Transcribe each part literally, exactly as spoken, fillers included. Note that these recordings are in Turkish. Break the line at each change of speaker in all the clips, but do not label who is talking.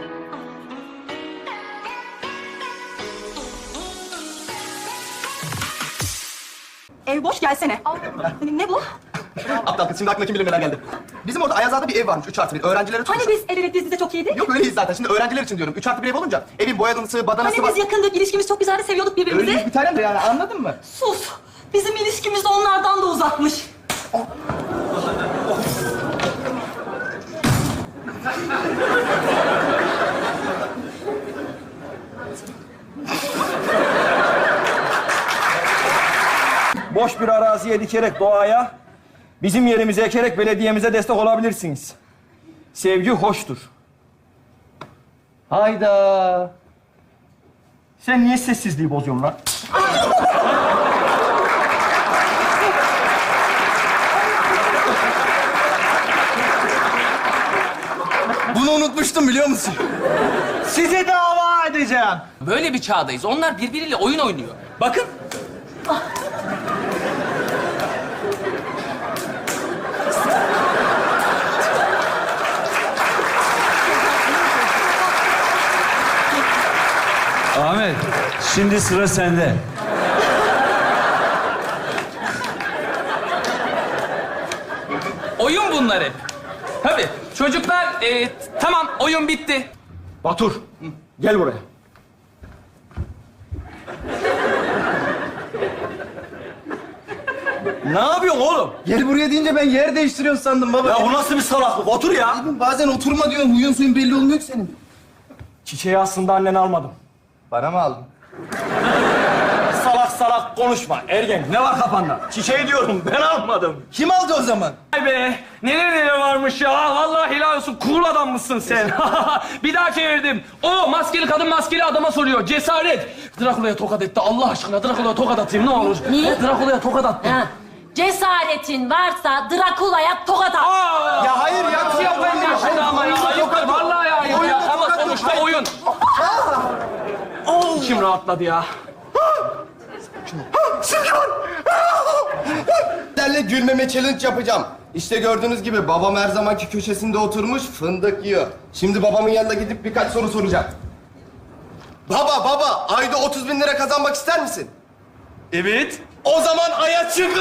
Ev boş, gelsene. Ne bu?
Aptal kız, şimdi aklıma kim bilir neler geldi. Bizim orada Ayazağa'da bir ev varmış, üç artı bir. Öğrencilere tutmuş.
Hani biz el ele diz dize çok iyiydik?
Yok öyleyiz zaten. Şimdi öğrenciler için diyorum. Üç artı bir ev olunca evin boyadısı, badanası
Hani biz yakındık, ilişkimiz çok güzeldi, seviyorduk birbirimizi.
Öyleyiz bir tanem de yani, anladın mı?
Sus! Bizim ilişkimiz de onlardan da uzakmış.
Boş bir araziye dikerek doğaya, bizim yerimize ekerek belediyemize destek olabilirsiniz. Sevgi hoştur. Hayda. Sen niye sessizliği bozuyorsun lan?
Bunu unutmuştum, biliyor musun?
Sizi dava edeceğim.
Böyle bir çağdayız. Onlar birbiriyle oyun oynuyor. Bakın.
Ahmet, şimdi sıra sende.
Oyun bunlar hep. Tabii. Çocuklar, e, tamam oyun bitti.
Batur, gel buraya. Ne yapıyorsun oğlum?
Gel buraya deyince ben yer değiştiriyorsun sandım baba.
Ya o nasıl bir salaklık? Otur ya.
Oğlum bazen oturma diyorsun, huyun suyun belli olmuyor ki senin.
Çiçeği aslında annen almadım.
Bana mı aldın?
Salak salak konuşma ergen. Ne var kafanda? Çiçeği diyorum, ben almadım.
Kim aldı o zaman?
Vay be, neler neler varmış ya. Vallahi helal olsun, cool adam mısın sen? Bir daha çevirdim. O maskeli kadın maskeli adama soruyor. Cesaret. Drakula'ya tokat etti. Allah aşkına Drakula'ya tokat atayım ne olur.
Niye?
Drakula'ya tokat attım.
Ha. Cesaretin varsa Drakula'ya tokat at.
Aa!
Ya hayır ya.
Nasıl yapayım ya şimdi ama ya? Ayıplar, vallahi ya ayıp ya. Ama sonuçta oyun. İçim rahatladı ya.
Sizlerle gülmeme challenge yapacağım. İşte gördüğünüz gibi babam her zamanki köşesinde oturmuş fındık yiyor. Şimdi babamın yanına gidip birkaç soru soracağım. Baba baba, ayda otuz bin lira kazanmak ister misin?
Evet.
O zaman aya çık.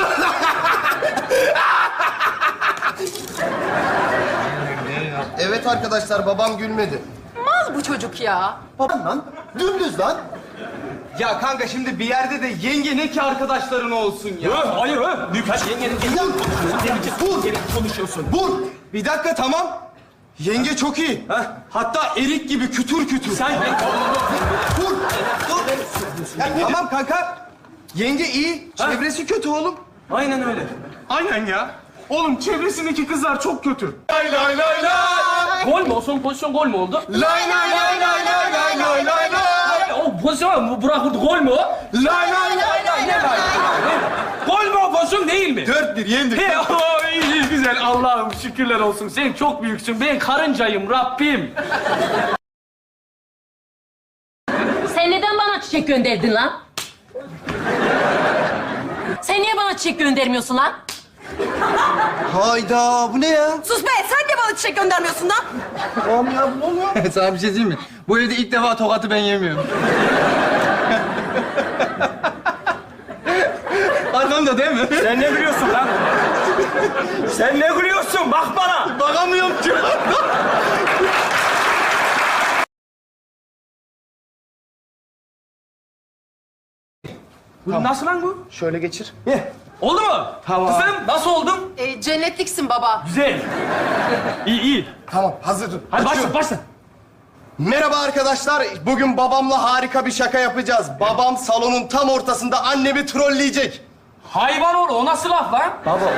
Evet arkadaşlar, babam gülmedi.
Mal bu çocuk ya.
Babam lan, dümdüz lan. Ya kanka şimdi bir yerde de yenge ne ki arkadaşların olsun ya.
Öh, hayır öh. Birkaç yengenin
Vur, vur, konuşuyorsun. Vur. Bir dakika tamam. Yenge çok iyi.
Heh.
Hatta erik gibi kütür kütür.
Sen...
Vur. Dur. Ya, tamam kanka. Yenge iyi, çevresi kötü oğlum.
Aynen öyle.
Aynen ya. Oğlum çevresindeki kızlar çok kötü.
Lay lay lay lay.
Gol mü? O son pozisyon gol mü oldu?
Lay lay lay lay lay lay lay lay lay.
O pozisyon bu Burak vurdu. Gol mü o?
Lay lay lay lay
Ne var? Gol mü o pozisyon değil mi?
Dört bir yendik.
He, o iyi, iyi, güzel. Allah'ım şükürler olsun. Sen çok büyüksün. Ben karıncayım Rabbim.
Sen neden bana çiçek gönderdin lan? Sen niye bana çiçek göndermiyorsun lan?
Hayda, bu ne ya?
Sus be, sen de bana çiçek göndermiyorsun lan.
Tamam ya, bu ne oluyor? Sana bir şey diyeyim mi? Bu evde ilk defa tokatı ben yemiyorum. Arkamda değil mi?
Sen ne gülüyorsun lan? Sen ne gülüyorsun? Bak bana.
Bakamıyorum ki.
Bu nasıl lan bu?
Şöyle geçir.
Oldu mu?
Tamam.
Kızım nasıl oldum?
Ee, cennetliksin baba.
Güzel. İyi iyi.
Tamam, hazırım.
Hadi başla
Açıyorum.
başla.
Merhaba arkadaşlar. Bugün babamla harika bir şaka yapacağız. Babam salonun tam ortasında annemi trolleyecek.
Hayvan oğlu o nasıl laf lan?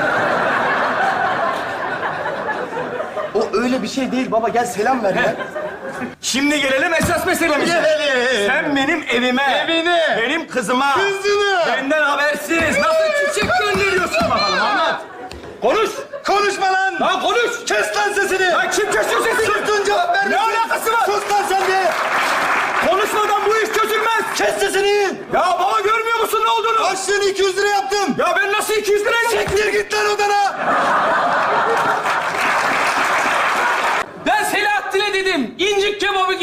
O öyle bir şey değil baba. Gel selam ver ya.
Şimdi gelelim esas meselemize.
Gelelim.
Sen benim evime,
Evine.
benim kızıma,
Kızını.
benden habersiz nasıl çiçek gönderiyorsun bakalım anlat. Konuş.
Konuşma lan.
Lan konuş.
Kes lan sesini.
Lan kim kesiyor sesini?
Sustun, cevap verme.
Ne alakası var?
Sus lan sen de.
Konuşmadan bu iş çözülmez.
Kes sesini.
Ya baba görmüyor musun ne olduğunu?
Başlığını iki yüz lira yaptım.
Ya ben nasıl iki yüz liraya
Siktir git lan odana.
Ben Selahattin'e dedim. İncik kebabı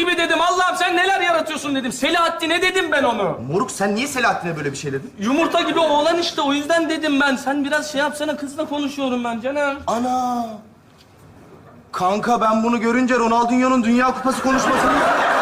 olsun dedim. Selahattin'e dedim ben onu.
Moruk sen niye Selahattin'e böyle bir şey dedin?
Yumurta gibi oğlan işte, o yüzden dedim ben. Sen biraz şey yapsana, kızla konuşuyorum ben canım.
Ana! Kanka ben bunu görünce Ronaldinho'nun Dünya Kupası konuşmasını...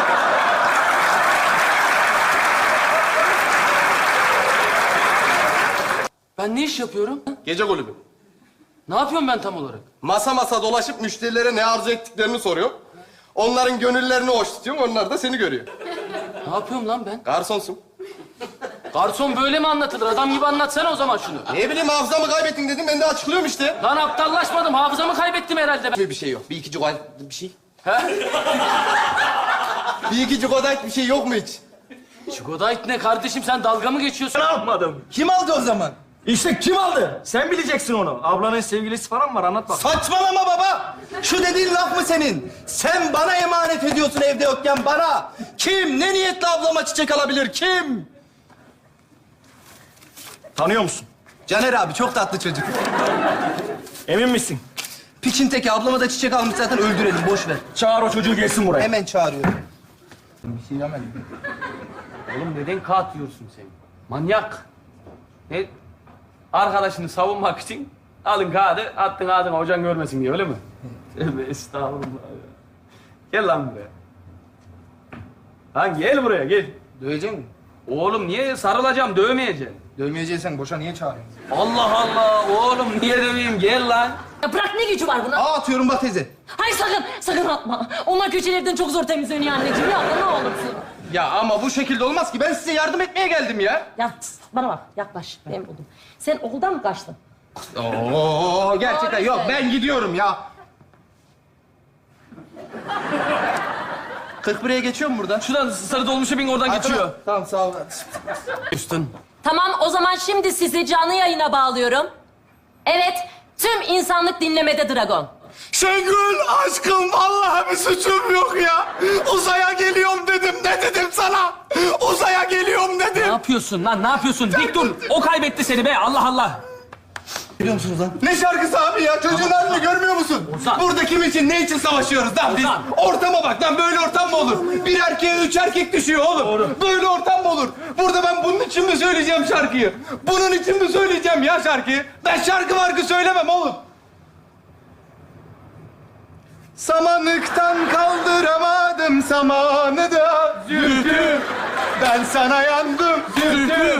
Ben ne iş yapıyorum?
Gece kulübü.
Ne yapıyorum ben tam olarak?
Masa masa dolaşıp müşterilere ne arzu ettiklerini soruyor. Onların gönüllerini hoş tutuyorsun, onlar da seni görüyor.
Ne yapıyorum lan ben?
Garsonsun.
Garson böyle mi anlatılır? Adam gibi anlatsana o zaman şunu.
Ne bileyim hafızamı kaybettin dedim, ben de açıklıyorum işte.
Lan aptallaşmadım, hafızamı kaybettim herhalde ben.
Bir şey yok, bir iki cugal bir şey.
He?
Bir iki cugadayt bir şey yok mu hiç?
Çikolayt ne kardeşim, sen dalga mı geçiyorsun?
Ne yapmadım?
Kim aldı o zaman?
İşte kim aldı? Sen bileceksin onu. Ablanın sevgilisi falan var, anlat bak.
Saçmalama baba! Şu dediğin laf mı senin? Sen bana emanet ediyorsun evde yokken bana. Kim? Ne niyetle ablama çiçek alabilir? Kim?
Tanıyor musun?
Caner abi çok tatlı çocuk.
Emin misin?
Piçin teki ablama da çiçek almış zaten öldürelim boş ver.
Çağır o çocuğu gelsin buraya.
Hemen çağırıyorum.
Oğlum neden kağıt yiyorsun sen? Manyak. Ne? Arkadaşını savunmak için alın kağıdı, attın ağzına, hocan görmesin diye, öyle mi? Tövbe estağfurullah ya. Gel lan buraya. Lan gel buraya, gel.
Dövecek misin?
Oğlum niye sarılacağım, dövmeyeceğim.
Dövmeyeceksen boşa niye çağırıyorsun?
Allah Allah, oğlum niye döveyim, gel lan.
Ya bırak, ne gücü var buna?
Aa atıyorum bak teyze.
Hayır sakın, sakın atma. Onlar köşelerden çok zor temizleniyor anneciğim. Yapma ne olursun.
Ya ama bu şekilde olmaz ki, ben size yardım etmeye geldim ya.
Ya tıs, bana bak, yaklaş. Ben buldum. Sen okuldan mı kaçtın?
Oo gerçekten yok, ben gidiyorum ya. kırk bir'e geçiyor mu burada?
Şuradan sarı dolmuşa bin, oradan geçiyor.
Tamam sağ ol.
Üstün.
Tamam, o zaman şimdi sizi canlı yayına bağlıyorum. Evet, tüm insanlık dinlemede Dragon.
Şengül aşkım vallahi bir suçum yok ya. Uzaya geliyorum dedim. Ne dedim sana? Uzaya geliyorum dedim.
Ne yapıyorsun lan, ne yapıyorsun? Dik dur, o kaybetti seni be, Allah Allah.
Biliyor musunuz lan?
Ne şarkısı abi ya? Çocuğun halini görmüyor musun?
Ozan.
Burada kim için, ne için savaşıyoruz lan biz?
Ozan.
Ortama bak lan, böyle ortam mı olur? Bir erkeğe üç erkek düşüyor oğlum. Böyle ortam mı olur? Burada ben bunun için mi söyleyeceğim şarkıyı? Bunun için mi söyleyeceğim ya şarkıyı? Ben şarkı markı söylemem oğlum. Samanlıktan kaldıramadım samanı da zülfü. Ben sana yandım zülfü.